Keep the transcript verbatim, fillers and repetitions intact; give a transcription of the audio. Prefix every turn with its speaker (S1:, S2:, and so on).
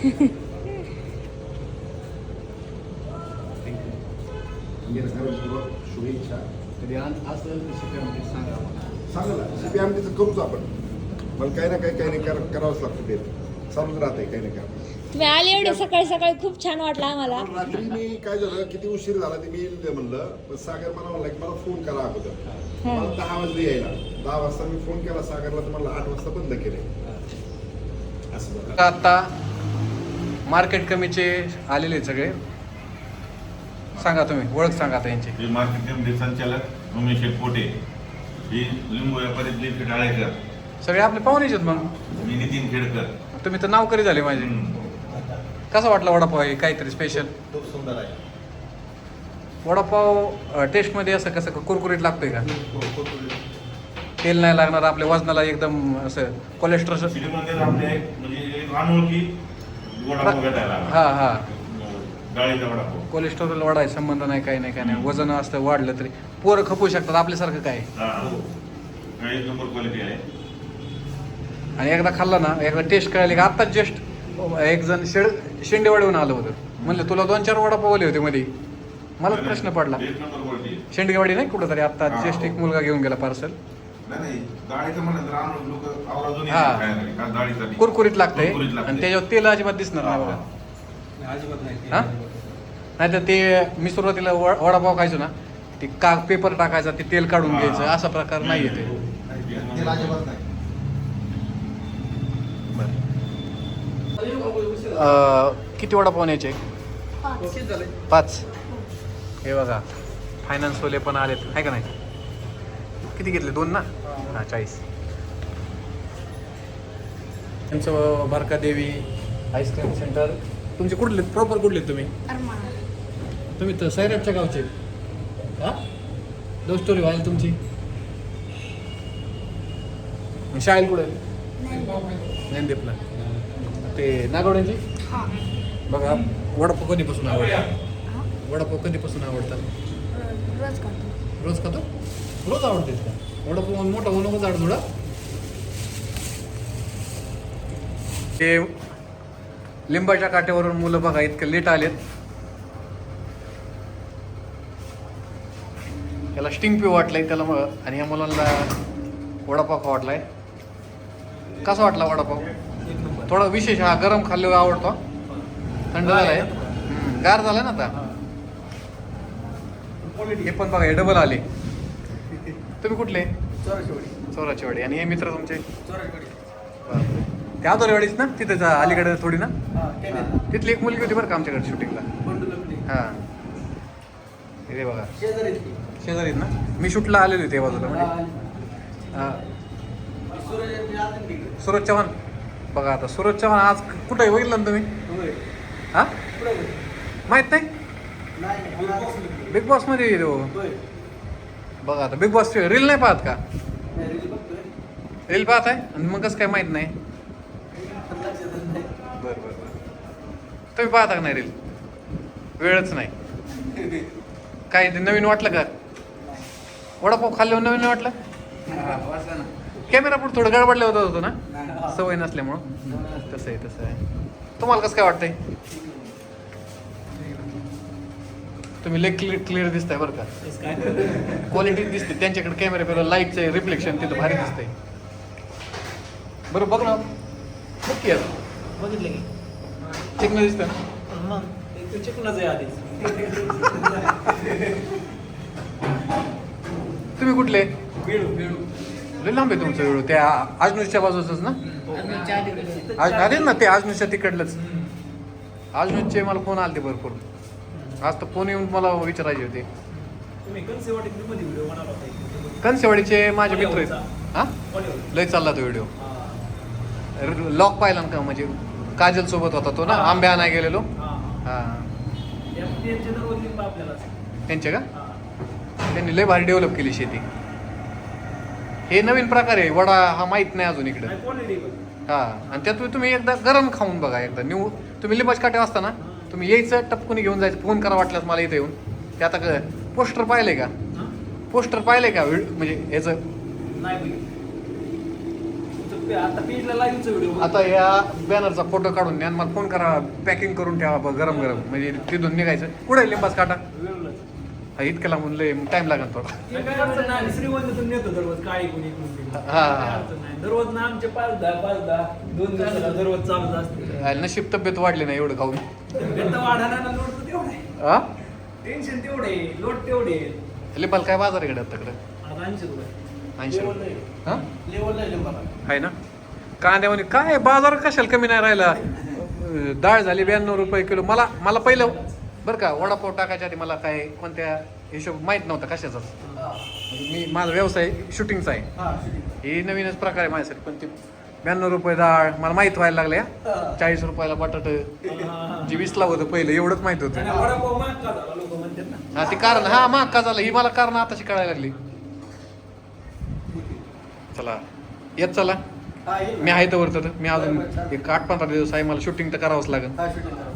S1: शुभेच्छा.
S2: कधी असं शिकायमध्ये सांगा मला.
S1: सांगा ना, सीपी आमटीचं करूच आपण. मला काही ना काही काही नाही करा करावंच लागतं ते. चालूच राहते काही ना काही.
S3: तुम्ही आले एवढे सकाळी सकाळी खूप छान वाटलं आम्हाला.
S1: रात्री मी काय झालं किती उशीर झाला ते मी येईल म्हणलं, पण सागर मला म्हणला की मला फोन करा अगोदर. मला दहा वाजले यायला. दहा वाजता मी फोन केला सागरला, तर मला आठ वाजता बंद केले.
S4: आता मार्केट कमीचे आलेले सगळे. सांगा तुम्ही ओळख सांगा आता यांची.
S5: हे मार्केट कमिटी संचालक उमेश पोटे, ही लिंबू व्यापारी दिलीप डाळेकर,
S4: सगळे आपले पाहुणेच आहेत. मग
S5: मी नितीन खेडकर.
S4: तुम्ही तर नाव करी झाले माझे. कसा वाटला वडापाव? आहे काहीतरी स्पेशल?
S5: खूप सुंदर आहे
S4: वडापाव. टेस्टमध्ये असं कसं कुरकुरीत लागतोय का? तेल नाही लागणार, आपल्या वजनाला एकदम असं कोलेस्ट्रॉल.
S5: सिटीमध्ये आपले म्हणजे एक अनोळखी वडापाव भेटायला
S4: हा हा
S5: डाळीचा वडापाव.
S4: कोलेस्ट्रॉल वाढायचा संबंध नाही, काही नाही काय नाही. वजन असतं वाढलं तरी पोरं खपू शकतात आपल्यासारखं काय.
S5: हा, एक नंबर क्वालिटी आहे.
S4: आणि एकदा खाल्ला ना, एकदा टेस्ट कळाली का. आत्ताच जस्ट एक जण शेड शेंडेवाडीहून आलं होतं. म्हणलं तुला दोन चार वडापाव आले होते मध्ये. मलाच प्रश्न पडला.
S5: एक नंबर क्वालिटी.
S4: शेंडेवाडी नाही कुठं तरी आत्ता
S5: हा.
S4: जस्ट एक मुलगा घेऊन गेला पार्सल.
S5: नाही नाही, डाळीचं म्हणलं तर अनोळखी लोक आवर्जून
S4: हा.
S5: येतात खायला. का डाळीसाठी
S4: कुरकुरीत लागतंय
S5: कुरकुरीत लागतंय.
S4: आणि त्याच्यावर तेल अजिबात दिसणार नाही बघा.
S2: अजिबात नाही.
S4: हा नाही तर ते मी सुरुवातीला व- वडापाव खायचो ना, ते का पेपर टाकायचा, ते तेल काढून
S5: हा.
S4: घ्यायचं, असा प्रकार नाही येते.
S5: तेल अजिबात नाही.
S4: किती वडापाव न्यायचे? पाच. हे बघा फायनान्सवाले पण आलेत आहे का नाही. किती घेतले? दोन ना. हां चाळीस. त्यांचं बारका देवी आईस्क्रीम सेंटर. तुमचे कुठले प्रॉपर कुठले तुम्ही? तुम्ही तर सैराटच्या गावचे. हां लव्ह स्टोरी व्हायला तुमची. शाळेला कुठे? ज्ञानदीपला. ते नागवड्यांची. बघा वडापाव कधीपासून आवडतात? वडापाव कधीपासून आवडतात?
S3: रोज करतो.
S4: रोज खातो? रोज आवडते का वडापाव? मोठा होऊ नको झाड थोडा. ते लिंबाच्या काठ्यावरून मुलं बघा इतकं लेट आलेत. त्याला स्टिंग पिऊ वाटलंय त्याला मग, आणि या मुलांना वडापाव खा वाटलाय. कसा वाटला वडापाव? थोडा विशेष. हा गरम खाल्ल्यावर आवडतो. थंड झालाय, गार झालाय ना आता. हे पण बघा हे डबल आले. तुम्ही कुठले? चोराची वाडी. आणि हे मित्र तुमचे? त्या आदोरेवाडीच ना, तिथे अलीकडे थोडी ना. तिथली एक मुलगी होती बरं का आमच्याकडे शूटिंगला. हां हे बघा शेजारीत ना. मी शूटला आलेलो होते बाजूला म्हणजे. हां सूरज चव्हाण. बघा आता सूरज चव्हाण आज कुठं आहे बघितलं ना तुम्ही? हां माहीत नाही. बिग बॉस मध्ये येतो बघा. आता बिग बॉस रील नाही पाहत का? रील पाहत आहे आणि मग कसं काय माहीत नाही? बरं बरं बरं. तुम्ही पाहता का नाही रील? वेळच नाही. काय ते नवीन वाटलं का? वडापाव खाल्ल्यावर नवीन वाटलं? कॅमेरा पुढे थोडं गडबडलं होतं होतं ना, सवय नसल्यामुळं. तसं आहे तसं आहे. तुम्हाला कसं काय वाटतंय? तुम्ही लेग क्लिअर क्लिअर दिसताय बरं का. क्वालिटी दिसते त्यांच्याकडे. कॅमेरा पेला लाईटचं रिफ्लेक्शन तिथं भारी दिसतंय. बरं बघ ना. नक्की आहे
S2: बघितलं की
S4: चिकन दिसतं ना.
S2: मग ते चिकनच आहे आधीच.
S4: तुम्ही कुठले?
S2: वेळू वेळू
S4: लय लांब आहे तुमचं वेळू. त्या आजनूरच्या बाजूचंच ना? आज आले ना ते आजनूरच्या तिकडलंच. आजनूरचे मला फोन आले ते भरपूर. आज तर फोन येऊन मला विचारायचे होते. कनसेवाडीचे माझे मित्र आहेत. हां लय चालला तो व्हिडिओ. लॉक पाहिला ना का, म्हणजे काजल सोबत होता तो ना, आंबे आणाय गेलेलो. हां त्यांचे का? त्यांनी लय भारी डेव्हलप केली शेती. हे नवीन प्रकार आहे वडा, हा माहीत नाही अजून इकडे. हां आणि त्यात तुम्ही एकदा गरम खाऊन बघा. एकदा न्यू तुम्ही लिंबाच काटे असता ना, तुम्ही यायचं टपकुनी घेऊन जायचं. फोन करा वाटल्यास मला इथं येऊन. ते आता पोस्टर पाहिलंय का? पोस्टर पाहिलंय का म्हणजे याचं?
S2: आता पेजला लाईव्हचा व्हिडिओ
S4: आता या बॅनरचा फोटो काढून द्या आणि मला फोन करा, पॅकिंग करून ठेवा बघ, गरम गरम म्हणजे तिथून निघायचं. कुठे आहे लिंबाच काटा? हा इतकं लांबून लय टाइम लागेल थोडा.
S2: काय अडचण नाही, श्रीगोंद्यातून नेतो दररोज काळी कोणी
S4: हा, हा.
S2: काय अडचण नाही. दररोज ना आमचे पाच दहा पाच दहा दोन दिवसाला दररोज चालूच असते.
S4: आणि नशीब तब्येत वाढली नाही एवढं खाऊन.
S2: बेता वाढायला लोट तर तेवढे
S4: हा
S2: टेन्शन तेवढे लोट तेवढे
S4: लिंबाला काय बाजार आहे तकडे?
S2: आता ऐंशी रुपये
S4: ऐंशी रुपये हा
S2: लेवलला आहे लिंबाला.
S4: आहे ना. कांद्यामध्ये काय बाजार कशाला कमी नाही राहिला. अं, डाळ झाली ब्याण्णव रुपये किलो. मला मला पहिलं बरं का वडापाव टाकायच्या आधी मला काय कोणत्या हिशोब माहीत नव्हता कशाचाच. म्हणजे मी माझा व्यवसाय शूटिंगचा आहे.
S2: हा,
S4: ही नवीनच प्रकार आहे माझ्यासाठी. पण ते ब्याण्णव रुपये डाळ मला माहीत व्हायला लागल्या. चाळीस रुपयाला बटाट जी वीसला होतं पहिलं एवढंच माहित होतं.
S2: आणि वडापाव महाग का झाला लोक म्हणतात ना.
S4: हा ते कारण हा महाग का झालं ही मला कारण आताशी कळायला लागली. चला येत चला
S2: हा, येईल.
S4: मी आहे तर वरतं मी अजून एक आठ पंधरा दिवस आहे मला शूटिंग तर करावंच लागेल.
S2: हा, shooting करा.